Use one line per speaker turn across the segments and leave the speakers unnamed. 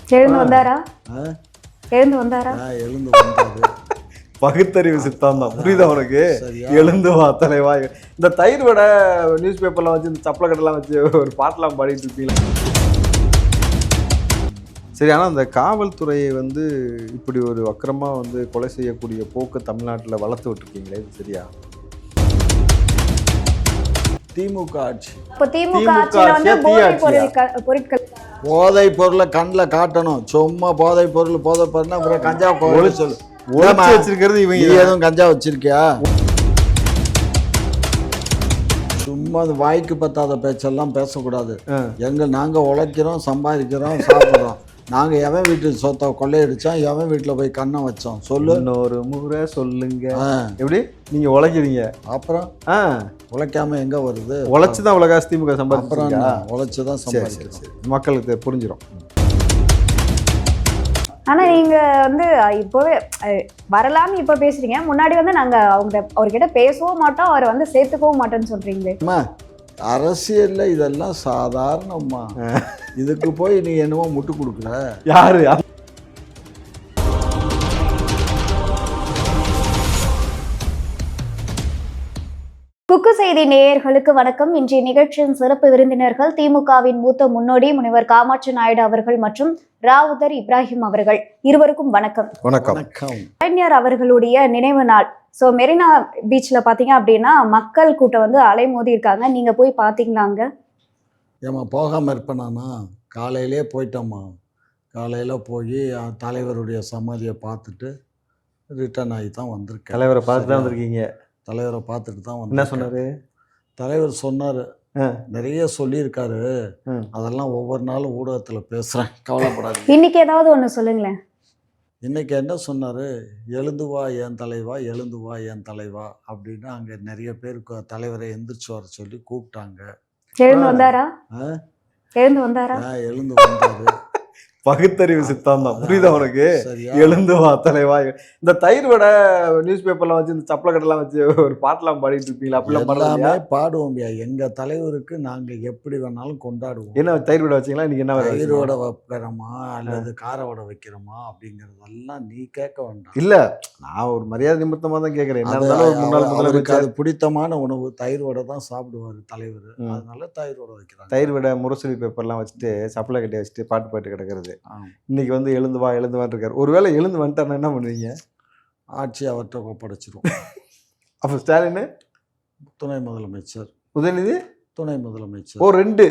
எழுந்து வந்தாரா? எழுந்து வந்தாரா?
எழுந்து வந்தாரு.
பகுத்தறிவு சித்தாந்தம் புரியுதா உனக்கு? எழுந்து வா தலைவா. இந்த தயிர் வடை நியூஸ் பேப்பர்லாம் வச்சு இந்த சப்பளை கட்டெல்லாம் வச்சு ஒரு பாட்டெல்லாம் பாடிட்டு இருப்பீங்களா? சரி, ஆனால் இந்த காவல்துறையை வந்து இப்படி ஒரு வக்கரமாக வந்து கொலை செய்யக்கூடிய போக்கு தமிழ்நாட்டில் வளர்த்து விட்டுருக்கீங்களே, இது சரியா?
திமுக ஆட்சி.
இப்போ திமுக ஆட்சியில் வந்து பொருட்கள்
போதை பொருளை கண்ணில் காட்டணும். சும்மா போதை பொருள்னா அப்புறம் கஞ்சா சொல்லு
வச்சிருக்கிறது இவங்க.
எதுவும் கஞ்சா வச்சிருக்கியா? சும்மா அது வாய்க்கு பத்தாத பேச்செல்லாம் பேசக்கூடாது. நாங்கள் உழைக்கிறோம், சம்பாதிக்கிறோம், சாப்பிட்றோம். நாங்கள் எவன் வீட்டு சொத்தை கொள்ளையடிச்சோம், எவன் வீட்டில் போய் கண்ணை வச்சோம் சொல்லு.
இன்னொரு முறை சொல்லுங்க. எப்படி நீங்கள் உழைக்கிறீங்க?
அப்புறம் உழைக்காம எங்கே வருது?
உழைச்சி தான் உலகாசி திமுக சம்பாதிக்கிறோம்.
உழைச்சி தான் சம்பாதிக்கிறோம்.
மக்களுக்கு புரிஞ்சிடும்.
ஆனால் நீங்கள் வந்து இப்போவே வரலாம்னு இப்போ பேசுகிறீங்க. முன்னாடி வந்து நாங்கள் அவர்கிட்ட பேசவும் மாட்டோம், அவரை வந்து சேர்த்துக்கவும் மாட்டோன்னு சொல்கிறீங்களே.
அரசியலில் இதெல்லாம் சாதாரணம்மா. இதுக்கு போய் நீ என்னவோ முட்டு கொடுக்குற.
யாரு?
குக்கு செய்தி நேயர்களுக்கு வணக்கம். இன்றைய நிகழ்ச்சியின் சிறப்பு விருந்தினர்கள் திமுகவின் மூத்த முன்னோடி முனைவர் காமாட்சி நாயுடு அவர்கள் மற்றும் ராவுதர் இப்ராஹிம் அவர்கள். இருவருக்கும் வணக்கம்.
வணக்கம்.
கலைஞர் அவர்களுடைய நினைவு நாள். ஸோ மெரினா பீச்சில் பார்த்தீங்க அப்படின்னா மக்கள் கூட்டம் வந்து அலைமோதி இருக்காங்க. நீங்கள் போய் பார்த்தீங்களாங்க?
ஏம்மா போகாமல் இருப்பேனாண்ணா? காலையிலே போயிட்டோம்மா. காலையில் போய் தலைவருடைய சமாதியை பார்த்துட்டு ரிட்டர்ன் ஆகி தான் வந்திருக்கேன்.
தலைவரை பார்த்து தான் வந்திருக்கீங்க? தலைவரை
பார்த்துட்டு தான் வந்து.
என்ன சொன்னார்?
தலைவர் சொன்னார், நிறைய சொல்லியிருக்காரு. அதெல்லாம் ஒவ்வொரு நாளும் ஊடகத்தில் பேசுகிறேன், கவலைப்படாது.
இன்னைக்கு ஏதாவது ஒன்று சொல்லுங்களேன்.
இன்றைக்கி என்ன சொன்னார்? எழுந்து வா என் தலைவா, எழுந்து வா என் தலைவா அப்படின்னு அங்கே நிறைய பேருக்கு தலைவரை எந்திரிச்சு வர சொல்லி கூப்பிட்டாங்க.
எழுந்து வந்தாரா? எழுந்து வந்தாரா?
எழுந்து வந்தாரு.
பகுத்தறிவு சித்தாந்தம் புரியுதா உனக்கு? எழுந்து வா தலைவா. இந்த தயிர் வடை நியூஸ் பேப்பர்லாம் வச்சு இந்த சப்பளை கட்டெல்லாம் வச்சு ஒரு பாட்டெல்லாம் பாடிட்டு இருப்பீங்களா? அப்படிலாம்
எல்லாமே பாடுவோம்யா. எங்க தலைவருக்கு நாங்க எப்படி வேணாலும் கொண்டாடுவோம்.
என்ன தயிர் வடை வச்சீங்களா? இன்னைக்கு என்ன
தயிர் வடை வைக்கிறோமா அல்லது கார வடை வைக்கிறோமா அப்படிங்கறதெல்லாம் நீ கேட்க வேண்டாம்.
இல்ல, நான் ஒரு மரியாதை நிமித்தமா தான் கேட்கறேன். என்ன இருந்தாலும் ஒரு முன்னாள் முதலமைச்சர்,
அது பிடித்தமான உணவு தயிர் வடை தான் சாப்பிடுவாரு தலைவர். அதனால தயிர் வடை வைக்கிறாங்க.
தயிர் வடை முரசொலி பேப்பர்லாம் வச்சுட்டு சப்பளை கட்டி வச்சுட்டு பாட்டு கிடக்கிறது. இன்னைக்கு வந்து எழுந்து வா இருக்காரு. ஒருவேளை எழுந்து வந்துட்டாருன்னா என்ன பண்ணுவீங்க?
ஆட்சி அவர்கிட்ட ஒப்படைச்சிரும்.
அப்ப ஸ்டாலின்
துணை முதலமைச்சர்,
உதயநிதி
துணை முதலமைச்சர்.
ஓ, 2.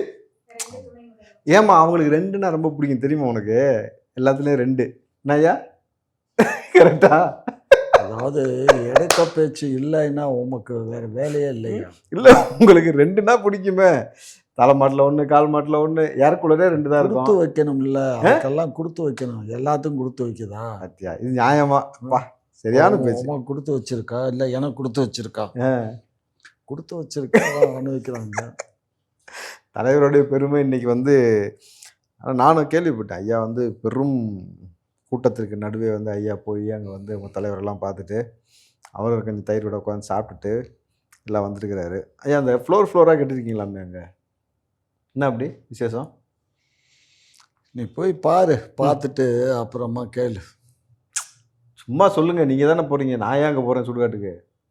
ஏமா அவங்களுக்கு 2ன்னா ரொம்ப பிடிக்கும் தெரியுமா உனக்கு? எல்லாத்துலயும் 2. என்னய்யா கரெக்டா?
அதாவது எடுக்க பேச்சு இல்லைன்னா உமக்கு வேற வேலையே இல்லையா?
இல்ல, உங்களுக்கு 2ன்னா பிடிக்குமே. தலை மாட்டில் 1, கால் மாட்டில் 1, ஏறக்குள்ளே 2 தான் இருக்கும்.
கொடுத்து வைக்கணும்ல, அதுக்கெல்லாம் கொடுத்து வைக்கணும். எல்லாத்துக்கும் கொடுத்து வைக்குதா?
அத்தியா, இது நியாயமா? சரியான பேச்சு.
கொடுத்து வச்சிருக்கா இல்லை எனக்கு கொடுத்து வச்சிருக்கா? கொடுத்து வச்சிருக்கா அனுபவிக்கிறாங்க.
தலைவருடைய பெருமை இன்னைக்கு வந்து நானும் கேள்விப்பட்டேன். ஐயா வந்து பெரும் கூட்டத்திற்கு நடுவே வந்து ஐயா போய் அங்கே வந்து உங்கள் தலைவரெல்லாம் பார்த்துட்டு அவர் கொஞ்சம் தயிர் விட உட்காந்து சாப்பிட்டுட்டு எல்லாம் வந்துருக்கிறாரு. ஐயா அந்த ஃப்ளோராக கட்டிருக்கீங்களாமே அங்கே? என்ன அப்படி விசேஷம்?
நீ போய் பாரு, பார்த்துட்டு அப்புறமா கேளு.
சும்மா சொல்லுங்க, நீங்கள் தானே போகிறீங்க. நான் ஏன் அங்கே போகிறேன் சுடுகாட்டுக்கு?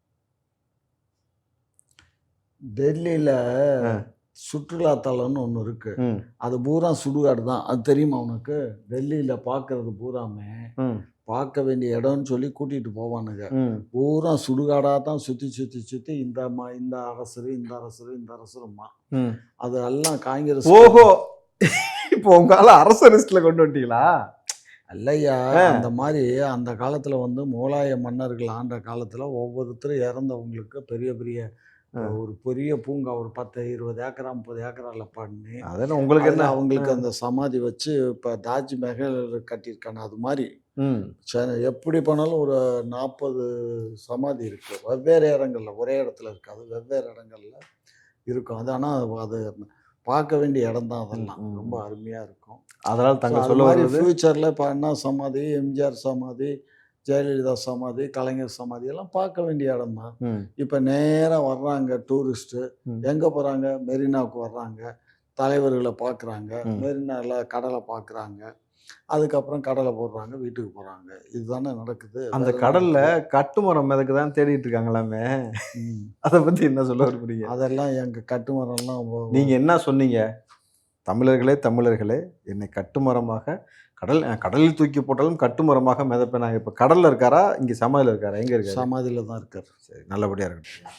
டெல்லியில் சுற்றுலாத்தலம்னு ஒன்று இருக்கு. அது பூரா சுடுகாடு தான். அது தெரியுமா உனக்கு? டெல்லியில் பார்க்கறது பூராமே பார்க்க வேண்டிய இடம்னு சொல்லி கூட்டிகிட்டு போவானுங்க. பூரா சுடுகாடாக தான் சுற்றி இந்த அரசருமா அதெல்லாம் காங்கிரஸ்.
ஓஹோ, இப்போ உங்களால அரசு லிஸ்ட்ல கொண்டு வந்துட்டீங்களா?
இல்லையா, அந்த மாதிரி அந்த காலத்தில் வந்து முகலாய மன்னர்கள் ஆண்ட காலத்தில் ஒவ்வொருத்தரும் இறந்தவங்களுக்கு பெரிய பெரிய ஒரு பெரிய பூங்கா ஒரு 10-20 ஏக்கரா 30 ஏக்கரால பண்ணி
அதெல்லாம் உங்களுக்கு என்ன
அவங்களுக்கு அந்த சமாதி வச்சு இப்போ தாஜ்மஹல் கட்டியிருக்காங்க. அது மாதிரி எப்படி பண்ணாலும் ஒரு 40 சமாதி இருக்கு. வெவ்வேறு இடங்கள்ல, ஒரே இடத்துல இருக்காது, வெவ்வேறு இடங்கள்ல இருக்கும். அது ஆனால் அது பார்க்க வேண்டிய இடம் தான். அதெல்லாம் ரொம்ப அருமையா இருக்கும்.
அதனால தங்க சொல்ல மாதிரி
ஃபியூச்சர்ல இப்போ அண்ணா சமாதி, எம்ஜிஆர் சமாதி, ஜெயலலிதா சமாதி, கலைஞர் சமாதி எல்லாம் பார்க்க வேண்டிய இடம் தான். இப்போ நேராக வர்றாங்க டூரிஸ்ட்டு. எங்கே போகிறாங்க? மெரினாவுக்கு வர்றாங்க, தலைவர்களை பார்க்குறாங்க, மெரினாவில் கடலை பார்க்குறாங்க. அதுக்கப்புறம் கடலை போடுறாங்க, வீட்டுக்கு போகிறாங்க. இதுதானே நடக்குது.
அந்த
வேற என்ன
கடல்ல
நடக்குது?
கட்டுமரம் மிதக்கு தான் தேடிட்டு இருக்காங்களாமே.
ம்.
அதை பத்தி என்ன சொல்ல விரும்புறீங்க?
அதெல்லாம் எங்கள் கட்டுமரம்லாம்
நீங்க என்ன சொன்னீங்க? தமிழர்களே தமிழர்களே, என்னை கட்டுமரமாக கடலில் தூக்கி போட்டாலும் கட்டுமரமாக மிதப்பேனாங்க. இப்போ கடல்ல இருக்காரா, இங்க சமாதியில் இருக்காரா, எங்க இருக்காரு?
சமாதியில் தான் இருக்கார்.
சரி, நல்லபடியா இருக்கட்டும்.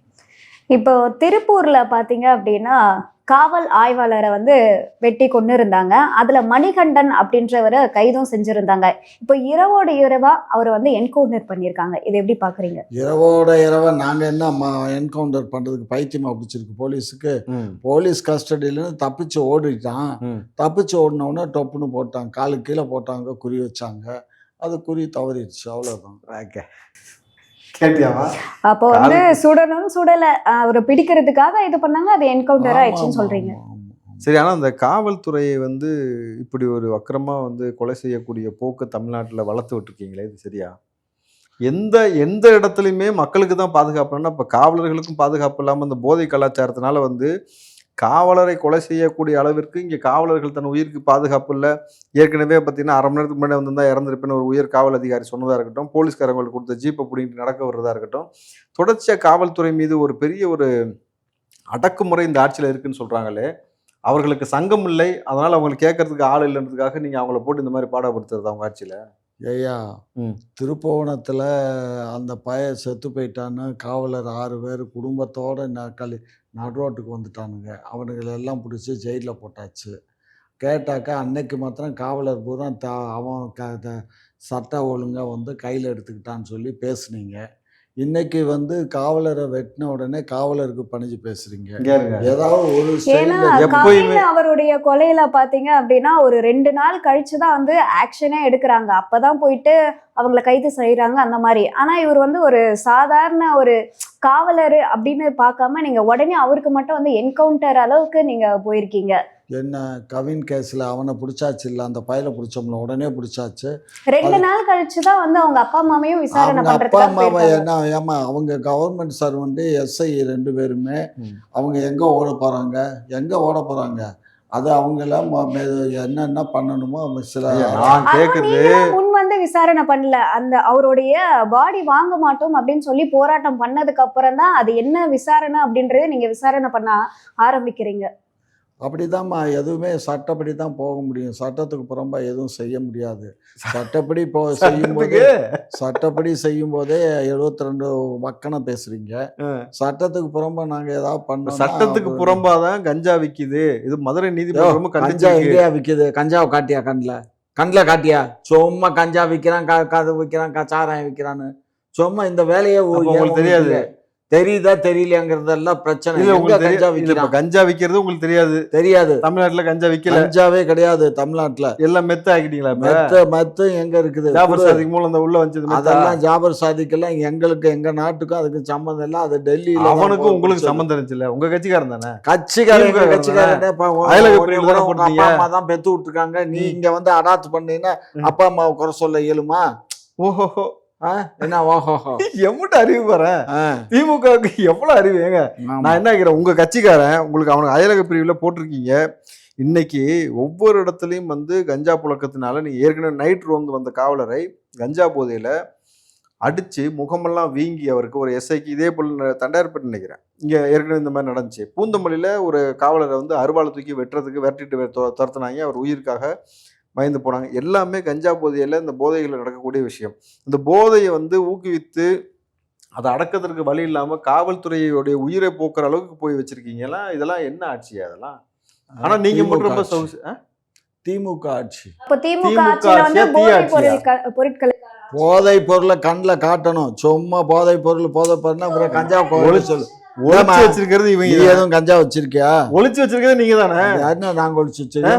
இப்போ திருப்பூர்ல பாத்தீங்க அப்படின்னா காவல் ஆய்வாளரை வந்து வெட்டி கொண்டு இருந்தாங்க. அதுல மணிகண்டன் அப்படின்றவரை கைதும் செஞ்சிருந்தாங்க. இப்போ இரவோட இரவா அவரை வந்து என்கவுண்டர் பண்ணியிருக்காங்க. இதை எப்படி பாக்குறீங்க?
இரவோட இரவா நாங்கள் என்ன என்கவுண்டர் பண்ணுறதுக்கு பைத்தியமா பிடிச்சிருக்கு போலீஸுக்கு.
ம்,
போலீஸ் கஸ்டடியிலேருந்து தப்பிச்சு ஓடிட்டான்.
ம்.
தப்பிச்சு ஓடினோடனே டொப்புன்னு போட்டாங்க, காலுக்கு கீழே போட்டாங்க, குறி வச்சாங்க. அது குறி தவறிடுச்சு, அவ்வளோதான்.
ஓகே. கேட்டியாமா?
அப்போ வந்து சுடணும் சுடல அவரை பிடிக்கிறதுக்காக இது பண்ணாங்க, அது என்கவுண்டர் ஆயிடுச்சுன்னு சொல்றீங்க.
சரி, ஆனால் அந்த காவல்துறையை வந்து இப்படி ஒரு வக்கரமா வந்து கொலை செய்யக்கூடிய போக்கு தமிழ்நாட்டில் வளர்த்து விட்டுருக்கீங்களே, இது சரியா? எந்த எந்த இடத்துலையுமே மக்களுக்கு தான் பாதுகாப்புன்னா, இப்போ காவலர்களுக்கும் பாதுகாப்பு இல்லாமல் இந்த போதை கலாச்சாரத்தினால வந்து காவலரை கொலை செய்யக்கூடிய அளவிற்கு இங்கே காவலர்கள் தன் உயிருக்கு பாதுகாப்பு இல்லை. ஏற்கனவே பார்த்தீங்கன்னா 1/2 மணி நேரத்துக்கு முன்னாடி வந்திருந்தா இறந்துருப்பேன்னு ஒரு உயர் காவல் அதிகாரி சொன்னதாக இருக்கட்டும், போலீஸ்காரங்களுக்கு கொடுத்த ஜீப்பை பிடிங்கிட்டு நடக்க வர்றதா இருக்கட்டும், தொடர்ச்சியாக காவல்துறை மீது ஒரு பெரிய ஒரு அடக்குமுறை இந்த ஆட்சியில் இருக்குன்னு சொல்கிறாங்களே, அவர்களுக்கு சங்கம் இல்லை, அதனால் அவங்களுக்கு கேட்கறதுக்கு ஆள் இல்லைன்றதுக்காக நீங்கள் அவங்கள போட்டு இந்த மாதிரி பாடப்படுத்துறது அவங்க ஆட்சியில்?
ஐயா,
ம்.
திருப்புவனத்தில் அந்த பையன் செத்து போயிட்டான்னு காவலர் 6 பேர் குடும்பத்தோடு நடுரோட்டுக்கு வந்துட்டானுங்க. அவனுங்களெல்லாம் பிடிச்சி ஜெயிலில் போட்டாச்சு. கேட்டாக்கா அன்னைக்கு மாத்திரம் காவலர் பூரா அவன் சட்ட ஒழுங்கை வந்து கையில் எடுத்துக்கிட்டான்னு சொல்லி பேசுனீங்க. இன்னைக்கு வந்து காவலரை வெட்டின உடனே காவலருக்கு பணிஞ்சு பேசுறீங்க.
இங்க இருங்க.
ஏதாவது ஒரு
ஏன்னா
ஸ்டைலில்
எப்பயுமே-
கவின் அவருடைய கொலையில பாத்தீங்க அப்படின்னா ஒரு 2 நாள் கழிச்சுதான் வந்து ஆக்ஷனே எடுக்கிறாங்க. அப்பதான் போயிட்டு அவங்கள கைது செய்யறாங்க அந்த மாதிரி. ஆனா இவர் வந்து ஒரு சாதாரண ஒரு காவலர் அப்படின்னு பார்க்காம நீங்க உடனே அவருக்கு மட்டும் வந்து என்கவுண்டர் அளவுக்கு நீங்க போயிருக்கீங்க.
என்ன கவின் கேஸில் அவனை பிடிச்சாச்சு, இல்லை அந்த பையலை பிடிச்சோம்ல உடனே பிடிச்சாச்சு.
2 நாள் கழிச்சுதான் வந்து அவங்க அப்பா அம்மாவையும் விசாரணை
அவங்க அப்பா
பண்றதுக்காக
அம்மாவை
போயிருக்காங்க.
என்ன ஏமா அவங்க கவர்மெண்ட் சர்வெண்ட்டு எஸ்ஐ 2 பேருமே
ம்.
அவங்க எங்கே ஓட போகிறாங்க அது அவங்கள என்னென்ன பண்ணணுமோ அவங்க சில
ஐயா, நான் கேட்கறது
நீங்களாம் முன் வந்து விசாரணை பண்ணல. அந்த அவருடைய பாடி வாங்க மாட்டோம் அப்படின்னு சொல்லி போராட்டம் பண்ணதுக்கு அப்புறம் தான் அது என்ன விசாரணை அப்படின்றது நீங்க விசாரணை பண்ண ஆரம்பிக்கிறீங்க.
அப்படிதாம்மா, எதுவுமே சட்டப்படி தான் போக முடியும். சட்டத்துக்கு புறம்பா எதுவும் செய்ய முடியாது. சட்டப்படி செய்யும்போது சட்டப்படி செய்யும்போதே 72 வக்கணம் பேசுறீங்க. சட்டத்துக்கு புறம்பா நாங்க ஏதாவது பண்ணோம்.
சட்டத்துக்கு புறம்பாதான் கஞ்சா விக்குது. இது மதுரை நீதிமன்றம்
கஞ்சா
கண்டிச்சிருக்கு.
எங்கேயா விக்குது? கஞ்சாவை காட்டியா? கண்ணில் காட்டியா? சும்மா கஞ்சா விற்கிறான், கது விற்கிறான், சாராயம் விற்கிறான்னு சும்மா இந்த வேலையை
உங்களுக்கு தெரியாது?
தெரியுதா தெரியலையாங்கிறதெல்லாம் பிரச்சனை.
இல்ல,
எங்க
உங்களுக்கு
கஞ்சா
இல்ல, இப்ப
விற்கிறான்
கஞ்சா விக்கிறது உங்களுக்கு தெரியாது.
தெரியாது.
தமிழ்நாட்டுல கஞ்சா விக்கல.
கஞ்சாவே கிடையாது தமிழ்நாட்டுல.
எல்லாம் மெத்த ஆக்கிட்டீங்களா? இப்ப
மத்து எங்க இருக்குது?
ஜாபர் சாதிக்கு மூலம் அந்த உள்ள வந்து
அதெல்லாம் ஜாபர் சாதிக்கெல்லாம் எங்களுக்கு எங்க நாட்டுக்கும் அதுக்கு சம்பந்தம் இல்லை. அது டெல்லியில
அவனுக்கும் உங்களுக்கு சம்பந்தம் இருந்துச்சுல்ல? உங்க கட்சிக்காரன் தானே?
கட்சிக்காரன்
அயலக பிரிவுல தானே போட்டீங்க.
அப்பா அம்மா தான் பெத்து விட்டுருக்காங்க. நீ இங்க வந்து அடாத்து பண்ணீங்கன்னா அப்பா அம்மாவை குறை சொல்ல இயலுமா?
ஓஹோ,
என்ன ஓஹோஹோ?
எம்பிட்டு அறிவு பாரு. திமுகவுக்கு எவ்வளவு அறிவு. ஏங்க, நான் என்ன கேக்குறேன், உங்க கட்சிக்காரன் உங்களுக்கு அவனுக்கு அயலக பிரிவுல போட்டிருக்கீங்க. இன்னைக்கு ஒவ்வொரு இடத்துலையும் வந்து கஞ்சா புழக்கத்தினால நீங்க ஏற்கனவே நைட் ரோந்து வந்த காவலரை கஞ்சா போதையில அடிச்சு முகமெல்லாம் வீங்கி அவருக்கு ஒரு எஸ்ஐக்கு இதே போல் தண்டையார்பேட்டை நினைக்கிறேன் இங்க ஏற்கனவே இந்த மாதிரி நடந்துச்சு. பூந்தமல்லியில ஒரு காவலரை வந்து அருவாளை தூக்கி வெட்டுறதுக்கு விரட்டிட்டு துரத்துனாங்க. அவர் உயிருக்காக பயந்து போனாங்க. எல்லாமே கஞ்சா போதையில் இந்த போதைகளில் நடக்கக்கூடிய விஷயம். இந்த போதையை வந்து ஊக்குவித்து அதை அடக்கிறதுக்கு வழி இல்லாமல் காவல்துறையோடைய உயிரை போக்குற அளவுக்கு போய் வச்சிருக்கீங்களா? இதெல்லாம் என்ன ஆட்சி அதெல்லாம்? ஆனா நீங்க மட்டும் ரொம்ப
திமுக ஆட்சி.
அப்போ திமுக ஆட்சியில வந்து பொருட்கள்
போதை பொருளை கண்ணில் காட்டணும். சும்மா போதை பொருள்னா அப்புறம் கஞ்சா சொல்லு.
ஒளிச்சு வச்சிருக்கிறது இவங்க.
எதுவும் கஞ்சா வச்சிருக்கியா?
ஒளிச்சு வச்சிருக்கிறது நீங்க தானே?
நாங்க ஒளிச்சு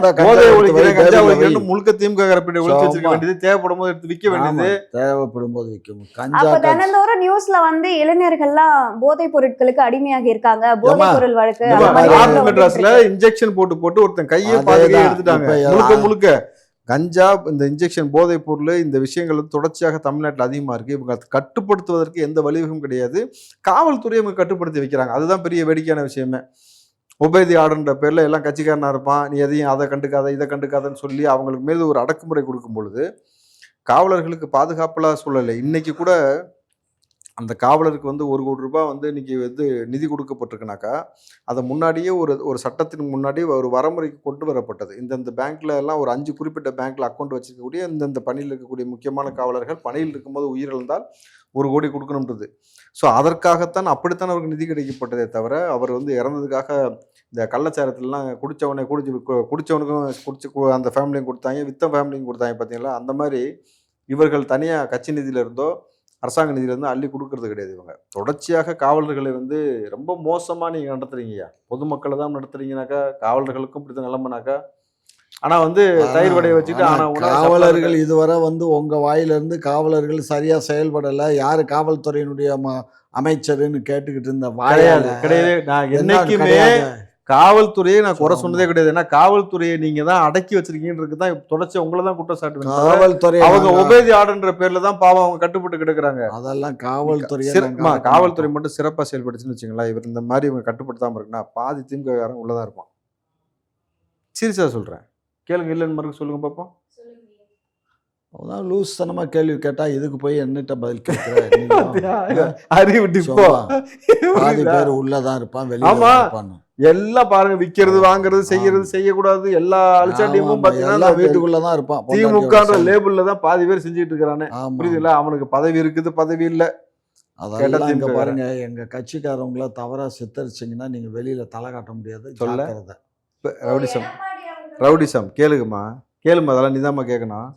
முழுக்க திமுக ஒளிச்சு வச்சிருக்க வேண்டியது, தேவைப்படும் போது எடுத்து விற்க வேண்டியது.
தேவைப்படும் போது விற்கும்.
அப்ப தினந்தோறும் நியூஸ்ல வந்து இளைஞர்கள்லாம் போதை பொருட்களுக்கு அடிமையாகி இருக்காங்க. போதை பொருள் வழக்கு
மெட்ராஸ்ல இன்ஜெக்ஷன் போட்டு ஒருத்தன் கையை பாதி எடுத்துட்டாங்க. முழுக்க கஞ்சா, இந்த இன்ஜெக்ஷன் போதைப் பொருள், இந்த விஷயங்கள் வந்து தொடர்ச்சியாக தமிழ்நாட்டில் அதிகமாக இருக்குது. இவங்க கட்டுப்படுத்துவதற்கு எந்த வழிவகும் கிடையாது. காவல்துறை இவங்க கட்டுப்படுத்தி வைக்கிறாங்க. அதுதான் பெரிய வேடிக்கையான விஷயமே. உபேதி ஆடுன்ற பேரில் எல்லாம் கட்சிக்காரனாக இருப்பான், நீ எதையும் அதை கண்டுக்காத இதை கண்டுக்காதன்னு சொல்லி அவங்களுக்கு மேலே ஒரு அடக்குமுறை கொடுக்கும் பொழுது காவலர்களுக்கு பாதுகாப்புலாம் சூழலை. இன்னைக்கு கூட அந்த காவலருக்கு வந்து 1 கோடி ரூபாய் வந்து இன்னைக்கு வந்து நிதி கொடுக்கப்பட்டிருக்குனாக்கா, அதை முன்னாடியே ஒரு சட்டத்தின் முன்னாடி ஒரு வரமுறைக்கு கொண்டு வரப்பட்டது. இந்தந்த பேங்க்ல எல்லாம் ஒரு 5 குறிப்பிட்ட பேங்க்ல அக்கௌண்ட் வச்சிருக்கக்கூடிய இந்தந்த பணியில் இருக்கக்கூடிய முக்கியமான காவலர்கள் பணியில் இருக்கும்போது உயிரிழந்தால் 1 கோடி கொடுக்கணுன்றது. ஸோ அதற்காகத்தான் அப்படித்தான் அவருக்கு நிதி கிடைக்கப்பட்டதே தவிர, அவர் வந்து இறந்ததுக்காக இந்த கள்ளச்சாரத்துலலாம் குடிச்சவனுக்கும் அந்த ஃபேமிலியும் கொடுத்தாங்க, வித்த ஃபேமிலியும் கொடுத்தாங்க பார்த்தீங்களா? அந்த மாதிரி இவர்கள் தனியாக கட்சி நிதியில இருந்தோ அரசாங்க நிதியிலேருந்து அள்ளி கொடுக்கறது கிடையாது. இவங்க தொடர்ச்சியாக காவலர்களை வந்து ரொம்ப மோசமாக நீங்கள் நடத்துறீங்கய்யா. பொதுமக்களை தான் நடத்துறீங்கனாக்கா, காவலர்களுக்கும் இப்படி தான் நிலம்பனாக்கா. ஆனால் வந்து தயிர் வடையை வச்சுட்டு
காவலர்கள் இதுவரை வந்து உங்கள் வாயிலிருந்து காவலர்கள் சரியாக செயல்படலை, யார் காவல்துறையினுடைய அமைச்சருன்னு கேட்டுக்கிட்டு இருந்த
கிடையாது கிடையாது. நான் என்னைக்குமே காவல்துறையை நான் குறை சொன்னதே கிடையாது. ஏன்னா காவல்துறையை நீங்க தான் அடக்கி வச்சிருக்கீங்கன்றது தான் தொடர்ச்சி உங்களை தான் குற்றம் சாட்டுவேன்.
காவல்துறை
அவங்க உபேதி ஆடுன்ற பேர்ல தான் பாவம் அவங்க கட்டுப்பட்டு கிடக்குறாங்க.
அதெல்லாம் காவல்துறை
காவல்துறை மட்டும் சிறப்பாக செயல்படுச்சுன்னு வச்சுங்களேன். இவர் இந்த மாதிரி இவங்க கட்டுப்படுத்தாம இருக்குன்னா பாதி திமுககாரன் உள்ளதான் இருப்பான். சீரியஸா சொல்றேன், கேளுங்க. இல்லைன்னு மறுக்க சொல்லுங்க பார்ப்போம்.
லூஸ் தனமாக கேள்வி கேட்டால் இதுக்கு போய் என்னட்ட பதில் கேட்குறேன்.
அறிவு டிப்போ.
பாதி பேர் உள்ளதான் இருப்பான், வெளியே இருப்பான்.
எல்லாம் பாருங்க, விற்கிறது வாங்குறது செய்யறது செய்யக்கூடாது எல்லா அழிச்சாட்டியமும் பாத்தீங்கன்னா
வீட்டுக்குள்ளதான் இருப்பான்.
திமுக லேபிள்ல தான் பாதி பேர் செஞ்சுட்டு இருக்கிறானே. புரியுதுல்ல? அவனுக்கு பதவி இருக்குது, பதவி இல்லை.
அதெல்லாம் இங்க பாருங்க, எங்க கட்சிக்காரவங்கள தவறா சித்தரிச்சிங்கன்னா நீங்க வெளியில தலை காட்ட முடியாது.
சொல்ல ரவுடிசம் கேளுங்கம்மா, கேளுமா. அதெல்லாம் நிதானமா கேட்கணும்.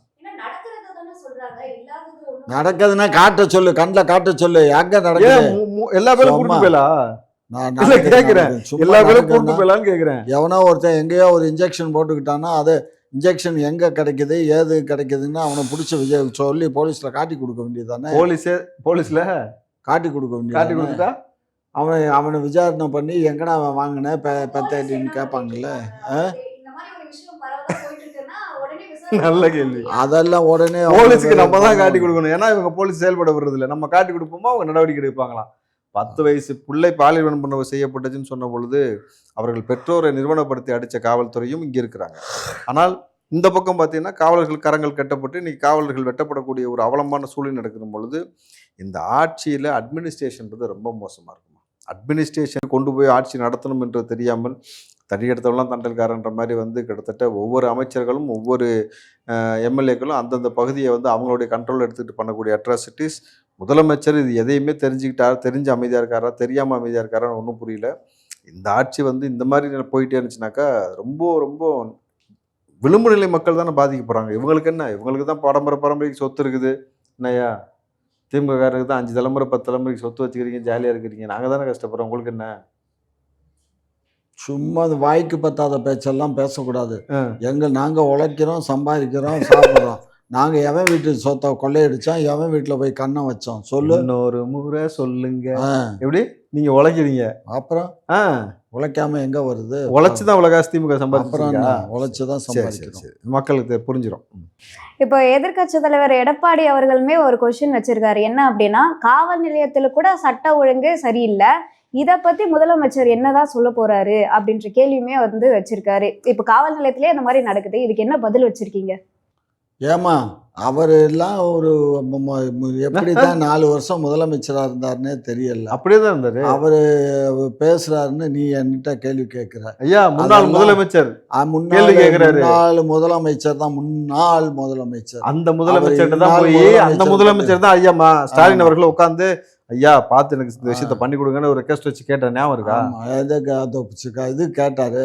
நடக்குதுன்னா காட்ட சொல்லு, கண்ணில் காட்ட சொல்லு. எங்க நடக்குது?
எல்லா பேரும் கூட்டு போயலா? நான் கேட்கிறேன், எல்லா பேரும் கூட்டு போயலான்னு கேட்கிறேன்.
எவனோ ஒருத்தன் எங்கேயோ ஒரு இன்ஜெக்ஷன் போட்டுக்கிட்டான்னா அது இன்ஜெக்ஷன் எங்க கிடைக்குது ஏது கிடைக்குதுன்னு அவனை பிடிச்ச சொல்லி போலீஸ்ல காட்டி கொடுக்க வேண்டியதானே?
போலீஸ்ல காட்டி
கொடுக்க வேண்டியது. அவனை விசாரணை பண்ணி எங்கடா அவன் வாங்கின பெத்தன்னு கேட்பாங்கல்ல.
நல்ல கேள்வி.
அதெல்லாம் உடனே
போலீஸுக்கு நம்ம தான் காட்டி கொடுக்கணும். ஏன்னா இவங்க போலீஸ் செயல்பட விடுறது இல்லை. நம்ம காட்டி கொடுப்போமா அவங்க நடவடிக்கை எடுப்பாங்களாம். 10 வயசு பிள்ளை பாலியல் வன்புணர்வு செய்யப்பட்டுச்சுன்னு சொன்ன பொழுது அவர்கள் பெற்றோரை நிறுவனப்படுத்தி அடித்த காவல்துறையும் இங்கே இருக்கிறாங்க. ஆனால் இந்த பக்கம் பார்த்தீங்கன்னா காவலர்கள் கரங்கள் கட்டப்பட்டு இன்னைக்கு காவலர்கள் வெட்டப்படக்கூடிய ஒரு அவலமான சூழ்நிலை நடக்கும் பொழுது இந்த ஆட்சியில் அட்மினிஸ்ட்ரேஷன்றது ரொம்ப மோசமாக இருக்குமா. அட்மினிஸ்ட்ரேஷன் கொண்டு போய் ஆட்சி நடத்தணும் என்று தெரியாமல் தடியெடுத்தவெல்லாம் தண்டல்காரன்ற மாதிரி வந்து கிட்டத்தட்ட ஒவ்வொரு அமைச்சர்களும் ஒவ்வொரு எம்எல்ஏக்களும் அந்தந்த பகுதியை வந்து அவங்களுடைய கண்ட்ரோல் எடுத்துக்கிட்டு பண்ணக்கூடிய அட்ராசிட்டிஸ். முதலமைச்சர் இது எதையுமே தெரிஞ்சு அமைதியாக இருக்காரா, தெரியாமல் அமைதியாக இருக்காரான்னு ஒன்றும் புரியல. இந்த ஆட்சி வந்து இந்த மாதிரி போயிட்டே இருந்துச்சுனாக்கா ரொம்ப ரொம்ப விளிம்பு நிலை மக்கள் தானே பாதிக்க போகிறாங்க. இவங்களுக்கு என்ன, இவங்களுக்கு தான் பரம்பரைக்கு சொத்து இருக்குது. என்னையா திமுககாரருக்கு தான் 5 தலைமுறை 10 தலைமுறைக்கு சொத்து வச்சுக்கிறீங்க, ஜாலியாக இருக்கிறீங்க. நாங்கள் தானே கஷ்டப்படுறோம், உங்களுக்கு என்ன?
சும்மா அது வாய்க்கு பத்தாத பேச்செல்லாம் பேசக்கூடாது. நாங்கள் உழைக்கிறோம், சம்பாதிக்கிறோம், சாப்பிட்றோம். நாங்கள் எவன் வீட்டு சொத்தை கொள்ளையடிச்சோம், எவன் வீட்டில் போய் கண்ணை வச்சோம் சொல்லு.
இன்னொரு முறை சொல்லுங்க. எப்படி நீங்கள் உழைக்கிறீங்க? அப்புறம்
உழைக்காம எங்கே வருது?
உழைச்சிதான் உலகாசி திமுக சம்பாதிக்கிறோம்.
உழைச்சிதான் சம்பாதிக்கிறோம்.
மக்களுக்கு புரிஞ்சிடும்.
இப்போ எதிர்க்கட்சி தலைவர் எடப்பாடி அவர்களுமே ஒரு கொஸ்டின் வச்சிருக்காரு. என்ன அப்படின்னா, காவல் நிலையத்தில் கூட சட்ட ஒழுங்கு சரியில்லை, இதை பத்தி முதலமைச்சர் என்னதான் சொல்ல போறாரு அப்படின்ற கேள்வியுமே வந்து வச்சிருக்காரு. இப்ப காவல் நிலையத்திலே இந்த மாதிரி நடக்குது, இதுக்கு என்ன பதில் வச்சிருக்கீங்க?
ஏமா அவர் எல்லாம் ஒரு எப்படிதான் 4 வருஷம் முதலமைச்சரா இருந்தாருன்னே தெரியல.
அப்படியேதான் இருந்தாரு.
அவரு பேசுறாருன்னு நீ என்கிட்ட கேள்வி கேட்கிற.
ஐயா முன்னாள் முதலமைச்சர்
முன்னாள் முதலமைச்சர் தான், முன்னாள் முதலமைச்சர்.
அந்த முதலமைச்சர் தான் போய் அந்த முதலமைச்சர் தான் ஐயாமா ஸ்டாலின் அவர்கள் உட்காந்து ஐயா பார்த்து எனக்கு இந்த விஷயத்த பண்ணி கொடுங்கன்னு ஒரு ரெக்வஸ்ட் வச்சு கேட்டேன். ஞாபகம் இருக்கா?
இது கேட்டாரு.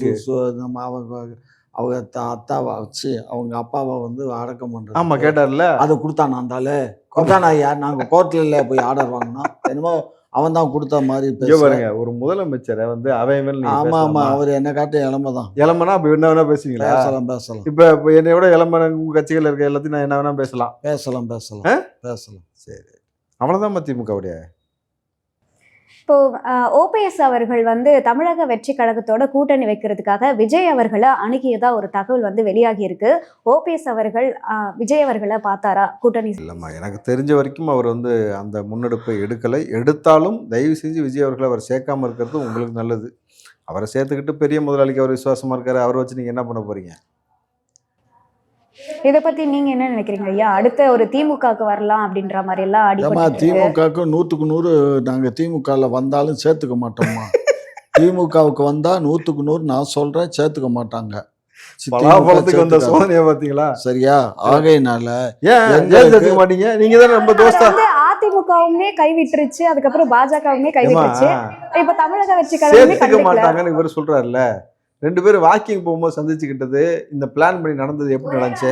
அவங்க அத்தாவை வச்சு அவங்க அப்பாவை வந்து அடக்கம் பண்றது.
ஆமா கேட்டார்ல,
அதை கொடுத்தானா இருந்தாலே கொடுத்தானா? யார் நாங்கள் கோர்ட்ல போய் ஆர்டர் வாங்கினா என்னமோ அவன் தான் கொடுத்த மாதிரி
பாருங்க. ஒரு முதலமைச்சரை வந்து அவன்
ஆமா ஆமா அவர் என்ன காட்ட இளமை தான்.
இளமைனா அப்ப என்ன வேணா பேசுவீங்களா?
பேசலாம்.
இப்ப என்னை விட இளமை உங்க கட்சிகள் இருக்க எல்லாத்தையும் நான் என்ன வேணா பேசலாம். சரி, அவ்வளவுதான் திமுகவுடைய.
இப்போ ஓபிஎஸ் அவர்கள் வந்து தமிழக வெற்றி கழகத்தோட கூட்டணி வைக்கிறதுக்காக விஜய் அவர்களை அணுகியதா ஒரு தகவல் வந்து வெளியாகி இருக்கு. ஓபிஎஸ் அவர்கள் விஜய் அவர்களை பார்த்தாரா கூட்டணி?
இல்லைம்மா, எனக்கு தெரிஞ்ச வரைக்கும் அவர் வந்து அந்த முன்னெடுப்பை எடுக்கலை. எடுத்தாலும் தயவு செஞ்சு விஜய் அவர்களை அவர் சேர்க்காம இருக்கிறது உங்களுக்கு நல்லது. அவரை சேர்த்துக்கிட்டு பெரிய முதலாளிக்கு அவர் விசுவாசமா இருக்காரு, அவரை வச்சு நீங்க என்ன பண்ண போறீங்க?
இதை பத்தி நீங்க என்ன நினைக்கிறீங்க ஐயா? அடுத்த ஒரு திமுகவுக்கு வரலாம் அப்படின்ற மாதிரி எல்லாம்
ஏமா
அடிபட்டு இருக்கு.
திமுகவுக்கு 100க்கு 100 நாங்கள் திமுகவில் வந்தாலும் சேர்த்துக்க மாட்டோம்மா. திமுகவுக்கு வந்தால் 100க்கு 100 நான் சொல்கிறேன் சேர்த்துக்க மாட்டாங்க.
பலாபலத்துக்கு வந்த சோதனையை பார்த்தீங்களா?
சரியா? ஆகையினால
ஏன் சேர்த்துக்க மாட்டீங்க? நீங்க தானே ரொம்ப தோஸ்தா.
அதிமுகவுமே கைவிட்டுருச்சு, அதுக்கப்புறம் பாஜகவுமே கைவிட்டுருச்சு, இப்ப தமிழக வெற்றி கழகமே
சேர்த்துக்க
கண்டுக்கல.
மாட்டாங்கன்னு இவர் சொல்றாருல்ல. 2 பேரும் வாக்கிங் போகும்போது சந்திச்சுக்கிட்டது, இந்த பிளான் பண்ணி நடந்தது எப்படி நடந்துச்சு?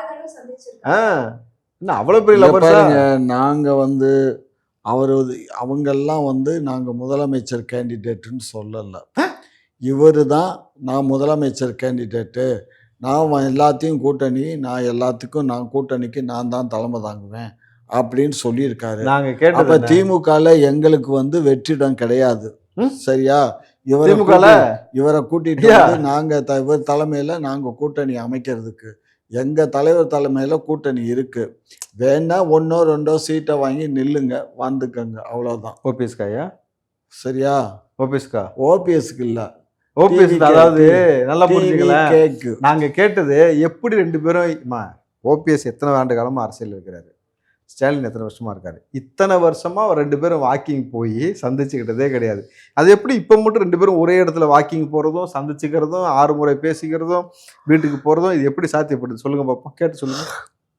என்ன அவ்வளவு பெரிய
இங்க
லவர்ஸா?
பாருங்க, நாங்கள் வந்து அவங்கெல்லாம் வந்து நாங்கள் முதலமைச்சர் கேண்டிடேட்டுன்னு சொல்லலை. இவர் தான் நான் முதலமைச்சர் கேண்டிடேட்டு, நான் எல்லாத்தையும் கூட்டணி, நான் எல்லாத்துக்கும் நான் கூட்டணிக்கு நான் தான் தலைமை தாங்குவேன் அப்படின்னு சொல்லியிருக்காரு.
நாங்க
அப்ப
கேட்டது
திமுகல எங்களுக்கு வந்து வெற்றிடம் கிடையாது. சரியா? இவரை கூட்டிட்டு
ஐயா.
வந்து நாங்க இவர் தலைமையில நாங்க கூட்டணி அமைக்கிறதுக்கு எங்க தலைவர் தலைமையில கூட்டணி இருக்கு. வேணா 1ஓ 2ஓ சீட்டை வாங்கி நில்லுங்க, வந்துக்கங்க, அவ்வளவுதான்.
ஓபிஎஸ்காயா?
சரியா?
ஓபிஎஸ்கா?
ஓபிஎஸ்க்கு இல்ல,
ஓபிஎஸ். அதாவது நல்லா புரிஞ்சுக்கலாம்.
கேக்கு.
நாங்க கேட்டது எப்படி 2 பேரும். ஓபிஎஸ் எத்தனை ஆண்டு காலமா அரசியல் இருக்கிறாரு, ஸ்டாலின் எத்தனை வருஷமா இருக்காரு, இத்தனை வருஷமா 2 பேரும் வாக்கிங் போய் சந்திச்சுக்கிட்டதே கிடையாது. அது எப்படி இப்போ மட்டும் 2 பேரும் ஒரே இடத்துல வாக்கிங் போறதும் சந்திச்சுக்கிறதும் 6 முறை பேசிக்கிறதும் வீட்டுக்கு போறதும் இது எப்படி சாத்தியப்படுது? சொல்லுங்க பாப்போம், கேட்டு சொல்லுங்க.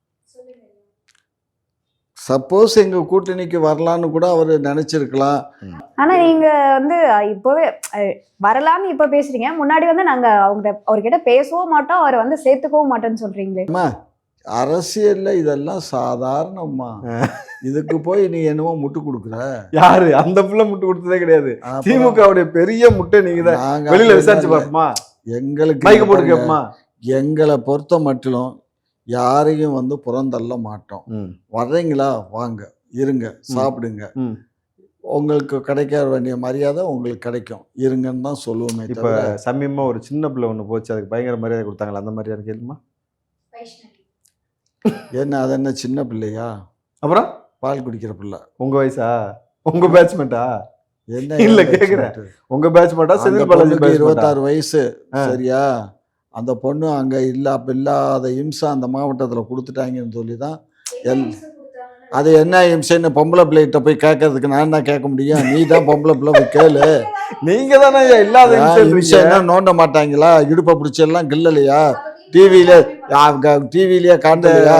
சப்போஸ் எங்க கூட்டணிக்கு வரலான்னு கூட அவர் நினைச்சிருக்கலாம்.
ஆனா நீங்க வந்து இப்பவே வரலாம்னு இப்ப பேசுறீங்க, முன்னாடி வந்து நாங்க அவர்கிட்ட பேசவும் மாட்டோம், அவரை வந்து சேர்த்துக்கவும் மாட்டோம்னு சொல்றீங்களே.
அரசியல்ல இதெல்லாம் சாதாரணமா, இதுக்கு போய் நீ என்னமோ முட்டு கொடுக்குற?
யாரு அந்த புள்ள முட்டு கொடுத்ததே கிடையாது. திமுகவுடைய பெரிய முட்டை நீங்க தான். வெளியில விசாரிச்சு பாப்போமா?
எங்களுக்கு
மைக்க போட்டு கேப்போமா?
எங்களை பொறுத்த மட்டும் யாரையும் வந்து புறந்தள்ள மாட்டோம். வர்றீங்களா வாங்க, இருங்க, சாப்பிடுங்க, உங்களுக்கு கிடைக்க வேண்டிய மரியாதை உங்களுக்கு கிடைக்கும், இருங்கன்னு தான் சொல்லுவோமே.
இப்ப சமீபமா ஒரு சின்ன பிள்ளை ஒண்ணு போச்சு, அதுக்கு பயங்கர மரியாதை கொடுத்தாங்களா? அந்த மரியாதை கேளுமா?
என்ன அது என்ன சின்ன பிள்ளையா?
அப்புறம்
பால் குடிக்கிற பிள்ளை.
உங்க வயசா? உங்க பேட்ச்மெண்டா?
என்ன
இல்ல கேக்குறேன், உங்க பேட்ச்மெண்டா? செந்தில் பாலாஜி
26 வயசு. சரியா? அந்த பொண்ணு அங்க இல்லாத இம்சை அந்த மாவட்டத்துல கொடுத்துட்டாங்கன்னு சொல்லி தான் அது என்ன இம்சைன்னு பொம்பளை பிள்ளைகிட்ட போய் கேட்கறதுக்கு நான் தான் கேட்க முடியும்? நீ தான் பொம்பளை பிள்ளை போய் கேளு.
நீங்க தானே இல்லாத
இம்சை என்ன நோண்ட மாட்டாங்களா? இடுப்பை பிடிச்சி எல்லாம் கில்லலையா? டிவிலயே காட்டலையா?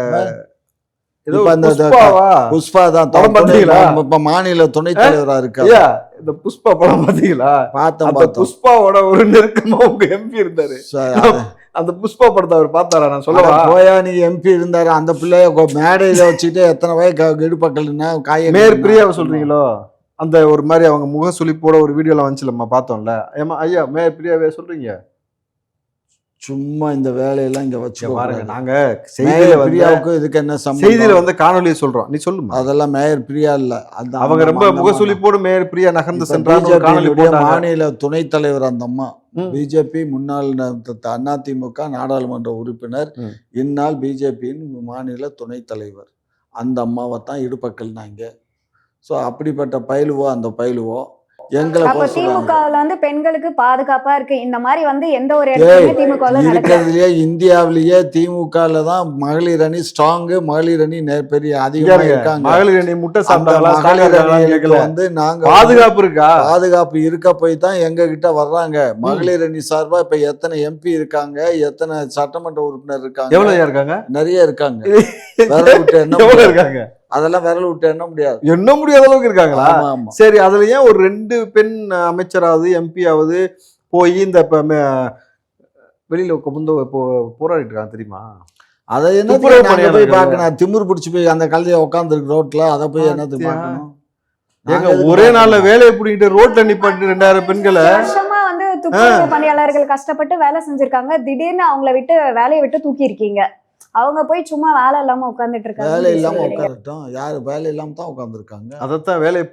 புஷ்பா தான் மாநில துணைத் தலைவரா இருக்காரு.
இந்த புஷ்பா படம் பாத்தீங்களா? பார்த்தேன். புஷ்பாவோட ஒரு நெருக்கமா உங்க எம்பி இருந்தாரு. அந்த புஷ்பா படத்தை அவர் பார்த்தாரா? நான் சொல்லவா?
போயா, நீ எம்பி இருந்தாரு. அந்த பிள்ளைய மேடையில வச்சுட்டு எத்தனை வயசு இடுப்பக்கல்னா காய
மேயர் பிரியாவை சொல்றீங்களோ? அந்த ஒரு மாதிரி அவங்க முக சுளிப்போட ஒரு வீடியோல வந்துச்சுலம்மா, பார்த்தோம்ல. ஏமா ஐயா, மேயர் பிரியாவே சொல்றீங்க?
சும்மா இந்த வேலையெல்லாம் இங்க வச்சு
பாருங்க. நாங்க செய்தியில
பிரியாவுக்கு இதுக்கு என்ன சம்பந்தம்?
செய்தியில வந்து காணொலியை சொல்றோம், நீ சொல்லுமா?
அதெல்லாம் மேயர் பிரியா இல்ல,
அவங்க ரொம்ப முகசுளிப்போடு மேயர் பிரியா நகர்ந்து சென்றாங்க.
மாநில துணைத் தலைவர் அந்த அம்மா, பிஜேபி முன்னாள் அதிமுக நாடாளுமன்ற உறுப்பினர், இந்நாள் பிஜேபியின் மாநில துணைத் தலைவர். அந்த அம்மாவை தான் இடுப்பக்கல்னாங்க. ஸோ அப்படிப்பட்ட பயிலுவோ அந்த பயிலுவோ எங்களை
திமுகவுல வந்து பெண்களுக்கு பாதுகாப்பா இருக்கு, இந்த மாதிரி வந்து எந்த ஒரு இடத்துலயுமே திமுகவுல
இருக்கிறதுலயே இந்தியாவிலேயே திமுகல தான் மகளிர் அணி ஸ்ட்ராங்கு, மகளிர் அணி பெரிய அதிகமா இருக்காங்க.
மகளிர் அணி முட்டை சாப்பிட்டாங்களா?
மகளிர் அணிகளுக்கு வந்து நாங்க
பாதுகாப்பு இருக்கா?
பாதுகாப்பு இருக்க போய் தான் எங்க கிட்ட வர்றாங்க. மகளிர் அணி சார்பா இப்ப எத்தனை எம்பி இருக்காங்க, எத்தனை சட்டமன்ற உறுப்பினர் இருக்காங்க?
எவ்வளவு இருக்காங்க?
நிறைய இருக்காங்க. விரல் விட்டு என்ன இருக்காங்க? அதெல்லாம் விரல் விட்டு எண்ண முடியாது,
எண்ண முடியாத அளவுக்கு இருக்காங்களா? சரி, அதுல ஏன் ஒரு 2 பெண் அமைச்சராவது எம்பியாவது போய் இந்த வெளியில போராடிட்டு இருக்காங்க தெரியுமா?
அதை என்ன போய் பார்க்கணும்? திமிரு பிடிச்சி போய் அந்த கழுதைய உட்கார்ந்து இருக்கு ரோட்ல, அதை போய் என்னத்துக்கு பார்க்கணும்?
ஒரே நாள்ல வேலையை பிடிக்கிட்டு ரோட்ல நிப்பாட்டு 2000 பெண்களை
வருஷமா வந்து துப்புரவு பணியாளர்கள் கஷ்டப்பட்டு வேலை செஞ்சிருக்காங்க, திடீர்னு அவங்கள விட்டு வேலையை விட்டு தூக்கி இருக்கீங்க. அவங்க போய் சும்மா வேலை இல்லாம உட்கார்ந்துட்டு இருக்காங்க.
வேலை இல்லாம உட்காரட்டும், யாரு வேலை இல்லாம தான் உட்கார்ந்துருக்காங்க.
அதைத்தான் வேலையை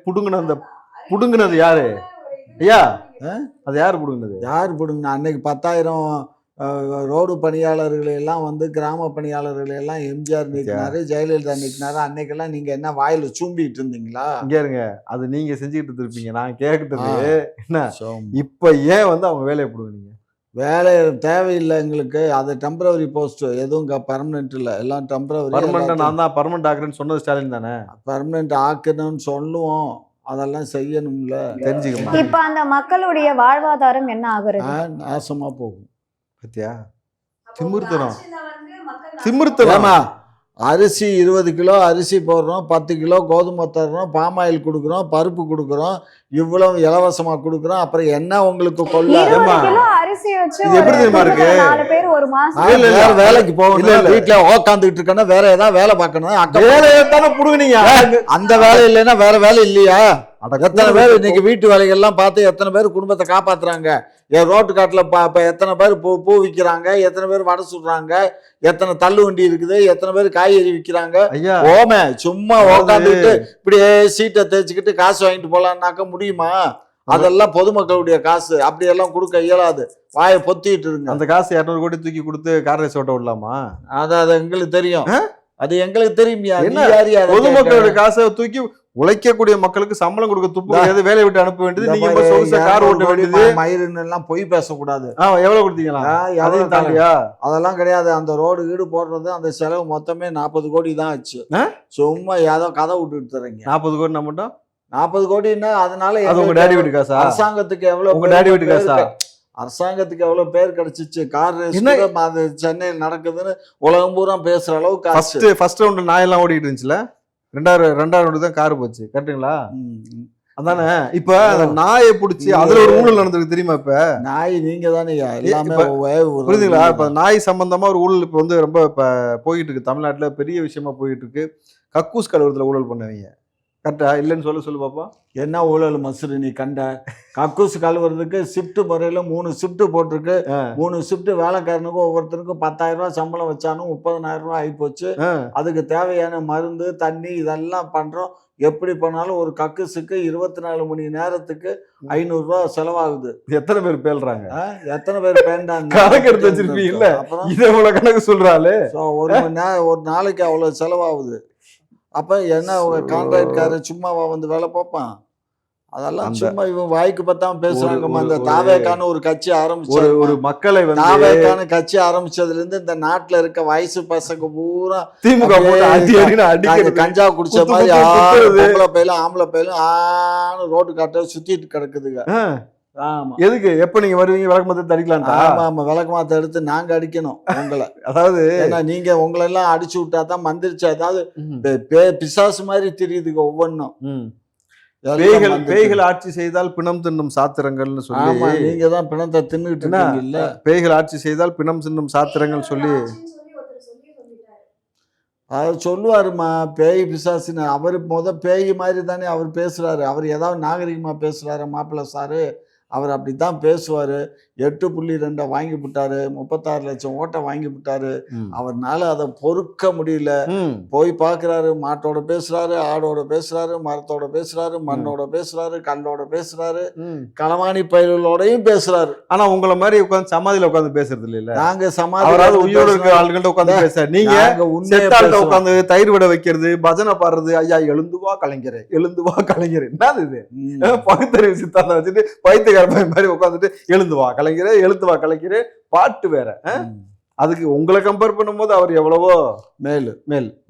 புடுங்கினது யாரு ஐயா? அது யாரு புடுங்கினது?
யாரு புடுங்கினா? அன்னைக்கு 10,000 ரோடு பணியாளர்களை எல்லாம் வந்து கிராம பணியாளர்களை எல்லாம் எம்ஜிஆர் நீக்கினாரு, ஜெயலலிதா நீக்கினாரு. அன்னைக்கெல்லாம் நீங்க என்ன வாயில சூம்பிட்டு இருந்தீங்களா?
இங்க இருங்க, அது நீங்க செஞ்சுக்கிட்டு இருப்பீங்க. நான் கேட்கிட்டது என்ன, இப்ப ஏன் வந்து அவங்க வேலையை போடுவீங்க?
வேலை தேவையில்லை எங்களுக்கு. அது டெம்பரவரி போஸ்ட், எதுவும் பர்மனெண்ட் இல்லை, எல்லாம் டெம்பரவரி.
பர்மனெண்ட் நான் தான் பர்மனெண்ட் ஆக்குறேன்னு சொன்னது ஸ்டாலின் தானே.
பர்மனெண்ட் ஆக்கணும்னு சொல்லுவோம், அதெல்லாம் செய்யணும்ல,
தெரிஞ்சுக்கணும்.
இப்ப அந்த மக்களுடைய வாழ்வாதாரம் என்ன ஆகுறது?
நாசமா போகும்.
பத்தியா திமிர்த்தனம், திமிர்த்தனமா.
அரிசி 20 கிலோ அரிசி போடுறோம், 10 கிலோ கோதுமை தர்றோம், பாமாயில் கொடுக்குறோம், பருப்பு கொடுக்குறோம், இவ்வளவு இலவசமா கொடுக்குறோம். அப்புறம் என்ன உங்களுக்கு கொள்ள?
20 கிலோ அரிசி வச்சு
இது எப்படி தெரியுமா இருக்கு?
4 பேர் ஒரு மாசம்
வேற வேலைக்கு போகணும், வீட்டுல உட்காந்துட்டு இருக்கேன்னா வேற ஏதாவது வேலை பார்க்கணும்.
வேலையை தானே புடுங்குனீங்க.
அந்த வேலை இல்லைன்னா வேற வேலை இல்லையா? எத்தனை பேர் இன்னைக்கு வீட்டு வேலைகள்லாம் பார்த்து எத்தனை பேர் குடும்பத்தை காப்பாத்துறாங்க? ரோட்டு காட்டுல எத்தனை பேர் பூ விற்கிறாங்க, எத்தனை பேர் வடை சுடுறாங்க, எத்தனை தள்ளு வண்டி இருக்குது, எத்தனை பேர் காய்கறி விற்கிறாங்க. ஓமே சும்மா உட்காந்துக்கிட்டு இப்படியே சீட்டை தேய்ச்சிக்கிட்டு காசு வாங்கிட்டு போலான்னாக்க முடியுமா? அதெல்லாம் பொதுமக்களுடைய காசு, அப்படியெல்லாம் கொடுக்க இயலாது. வாயை பொத்திட்டு இருங்க.
அந்த காசு 200 கோடி தூக்கி கொடுத்து கார் ரேஸ் ஓட்ட விடலாமா?
அது எங்களுக்கு தெரியும், அது எங்களுக்கு தெரியுமியா?
பொதுமக்களுடைய காசை தூக்கி உழைக்கக்கூடிய மக்களுக்கு சம்பளம் கொடுக்க துப்பு கிடையாது, வேலையை விட்டு அனுப்ப வேண்டியது. நீங்க கார் ஓட்ட வேண்டியது,
மயிறுன்னு எல்லாம் பொய் பேசக்கூடாது.
எவ்வளவு கொடுத்தீங்களா? அதையும் தாண்டியா?
அதெல்லாம் கிடையாது. அந்த ரோடு வீடு போடுறது அந்த செலவு மொத்தமே 40 கோடி தான் ஆச்சு. சும்மா ஏதோ கதை விட்டுட்டு தரீங்க.
40 கோடி நம்ம
40 கோடின்னா அதனால
உங்க டேடி வீட்டு காசா?
அரசாங்கத்துக்கு எவ்வளவு,
உங்க டேடி வீட்டு காசா?
அரசாங்கத்துக்கு எவ்வளவு பேர் கிடைச்சிச்சு. கார் ரேஸ் அது சென்னையில் நடக்குதுன்னு உலகம் பூரா பேசுற அளவுக்கு.
ஃபர்ஸ்ட் ரவுண்ட் நாய் எல்லாம் ஓடிட்டு இருந்துச்சுல, ரெண்டாவது ரவுண்டு தான் கார் போச்சு, கரெக்டுங்களா? அதானே. இப்ப அந்த நாயை பிடிச்சி அதுல ஒரு ஊழல் நடந்திருக்கு தெரியுமா? இப்ப
நாய் நீங்க தானே எல்லாமே
புரியுதுங்களா? இப்ப நாய் சம்பந்தமா ஒரு ஊழல் இப்ப வந்து ரொம்ப இப்ப போயிட்டு இருக்கு தமிழ்நாட்டுல, பெரிய விஷயமா போயிட்டு இருக்கு. கக்கூஸ் கழுவுறதுல ஊழல் பண்ணுவீங்க, கரெக்டா? இல்லைன்னு சொல்லு பாப்பா.
என்ன ஊழல் மசுரு நீ கண்ட? கக்கூஸ் கழுவுறதுக்கு ஷிஃப்ட் முறையில 3 ஷிஃப்ட் போட்டிருக்கு. 3 ஷிஃப்ட் வேலைக்காரனுக்கும் ஒவ்வொருத்தருக்கும் 10,000 ரூபாய் சம்பளம் வச்சாலும் 30,000 ரூபாய் ஆகி போச்சு. அதுக்கு தேவையான மருந்து தண்ணி இதெல்லாம் பண்றோம். எப்படி பண்ணாலும் ஒரு கக்கூஸுக்கு 24 மணி நேரத்துக்கு 500 ரூபாய் செலவாகுது.
எத்தனை பேர் பேல்றாங்க?
எத்தனை பேர் பேண்டாங்க?
கணக்கு எடுத்து வச்சிருப்பீங்க இல்ல? இதை இவ்வளவு கணக்கு சொல்றாரு.
ஒரு நாளைக்கு அவ்வளவு செலவாகுது. அப்ப என்ன கான்ட்ராக்ட்காரர் சும்மாவா வந்து வேலை பார்ப்பான்? அதெல்லாம் சும்மா இவன் வாய்க்கு பத்தாம பேசுறாங்க. அந்த தாவேக்கான ஒரு கட்சி ஆரம்பிச்சு,
ஒரு மக்களை
தாவேக்கான கட்சி ஆரம்பிச்சதுல இருந்து இந்த நாட்டுல இருக்க வயசு பசங்க பூரா
திமுக
கஞ்சா குடிச்ச மாதிரி பொம்பளை பையிலும் ஆம்பளை பையிலும் ரோடு காட்ட சுத்திட்டு கிடக்குதுங்க. ஆமா.
எதுக்கு? எப்ப நீங்க வருவீங்க? விளக்கமாத்த அடிக்கலாம்.
ஆமா ஆமா, விளக்கமாத்த எடுத்து நாங்க அடிக்கணும் உங்களை.
அதாவது
நீங்க உங்களை எல்லாம் அடிச்சு விட்டா தான் மந்திரிச்சு, அதாவது பிசாசு மாதிரி தெரியுதுங்க ஒவ்வொன்றும்.
பேய்கள் ஆட்சி செய்தால் பிணம் தின்னும் சாத்திரங்கள்னு சொல்லி,
நீங்க தான் பிணத்தை தின்னுட்டு இருக்கீங்க இல்ல?
பேய்கள் ஆட்சி செய்தால் பிணம் தின்னும் சாத்திரங்கள் சொல்லி
அவர் சொல்லுவாருமா, பேய் பிசாசுன்னு. அவர் பேய் மாதிரி தானே அவர் பேசுறாரு. அவர் ஏதாவது நாகரிகமா பேசுறாரு மாப்பிள்ளை சாரு? அவர் அப்படித்தான் பேசுவாரு. 8.2 வாங்கி விட்டாரு, 36 லட்சம் ஓட்டை வாங்கி விட்டாரு. அவர்னால அதை பொறுக்க முடியல. போய் பாக்குறாரு, மாட்டோட பேசுறாரு, ஆடோட பேசுறாரு, மரத்தோட பேசுறாரு, மண்ணோட பேசுறாரு, கல்லோட பேசுறாரு, களவாணி பயிர்களோடையும் பேசுறாரு.
ஆனா உங்களை மாதிரி உட்காந்து சமாதியில உட்காந்து பேசுறது இல்ல.
நாங்க சமாதி
உயிரோட இருக்க ஆளுகிட்ட உட்காந்து பேச, நீங்க உட்காந்து தயிர் விட வைக்கிறது, பஜனை பாடுறது. ஐயா எழுந்துவா கலைஞரே, எழுந்துவா கலைஞரே. என்னது இது? பகுத்தறிவு சித்தாந்தம் வச்சுட்டு பைத்தியக்கார மாதிரி உட்காந்துட்டு எழுந்துவா கலைஞரே, எழுத்துவா கலைஞரே பாட்டு வேற. அதுக்கு உங்களை கம்பேர் பண்ணும்போது அவர் எவ்வளவோ மேல்.